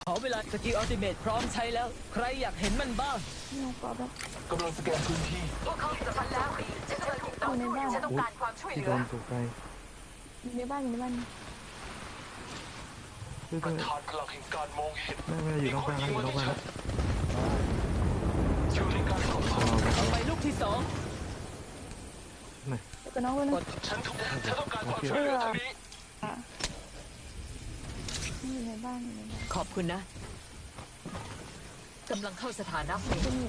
ขอเวลาสกิลอัลติเมทพร้อมใช้แล้วใครอยากเห็นมันบ้างหนูกรอบแบบกำลังสแกนพื้นที่พวกเขาจะฟันแล้วฉันกำลังถูกต่อสู้ฉันต้องการความช่วยเหที่ลืโดอนตกใจอยู่ในบ้านอยู่ในบ้านช่วยปด้วระยธานพลังแห่งการมองเห็นไม่อยู่นอกบ้านแล้วอยู่นอกบ้านแล้วอยู่ในการสอบสวนเอาไปลูกที่สองไหนแล้วก็น้องด้วยนะฉันต้องการความช่วยเหลือทางนี้อยู่ในบ้านอยู่ในบ้านขอบคุณนะกำลังเข้าสถานะเฟสที่นี่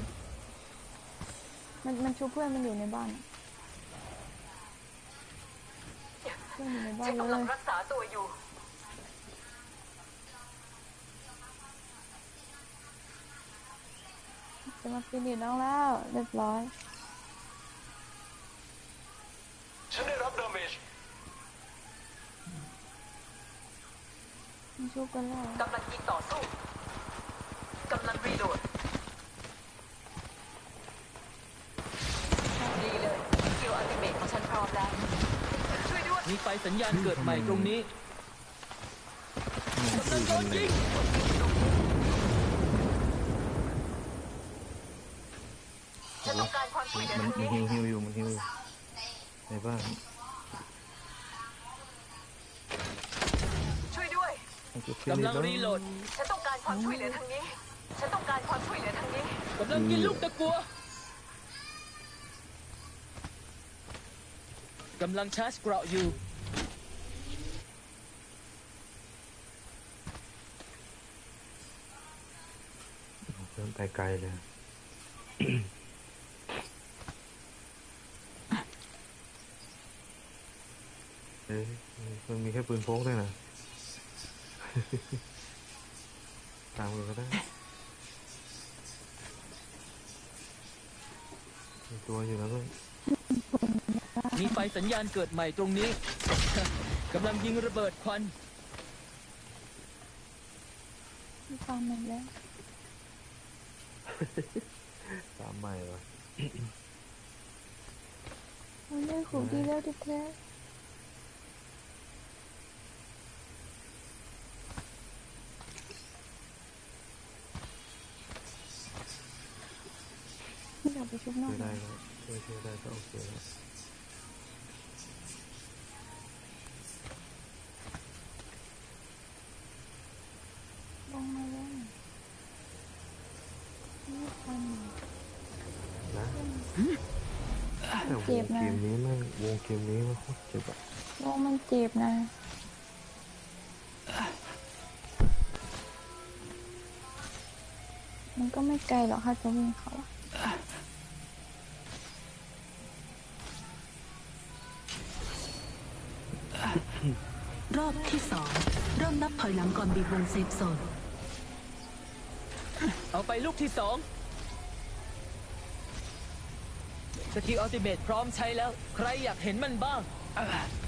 มันชูเพื่อนมันอยู่ในบ้านเพื่อนอยู่ในบ้านฉันกำเลลังยรักษาตัวอยู่จะมาฟินิชน้องแล้วเรียบร้อยฉันได้รับดาเมจมันชูกันแล้วกำลังยิงต่อสู้กำลังรีโหลดดีเลยสกิลอัลติเมทของฉันพร้อมแล้วช่วยด้วยมีไฟสัญญาณเกิดใหม่ตรงนี้กำลังโดนยิงฉันต้องการความช่วยเหลือมันทางนี้ฮิวอยู่มันฮิวอยู่ในบ้านช่วยด้วยมันเก็บเชือกกำลังแล้วรีโหลดฉันต้องการความช่วยเหลือทางนี้ ฉันต้องการความช่วยเหลือทางนี้กำลังกินลูกตะกัวกำลังชาร์จเกราะอยู่เริ่มไปไกลเลยเอ้ยมันมีแค่ปืนพกด้วยนะ ตามกันก็ได้มีตัวอยู่นะเพื่อนมีไฟสัญญาณเกิดใหม่ตรงนี้ กำลังยิงระเบิดควันมีความเหม็นแล้วตามใหม่วะมันได้ขู่ดีแล้วดิแท้ไม่อยากไปชุบนอช่วกยได้ก็ช่วยได้ก็โอเคแล้วลงมาแล้วนี่คนนะแต่วเจ็งบเกนะมนี้แม่งวงเกมนี้มันโคตรเจ็บอะโลกมันเจ็บนะ มันก็ไม่ไกลหรอกค่ะจะวิ่งเขารอบที่สองเริ่มนับถอยหลังก่อนบีบวงเซฟโซนเอาไปลูกที่สองสกิลอัลติเมทพร้อมใช้แล้วใครอยากเห็นมันบ้าง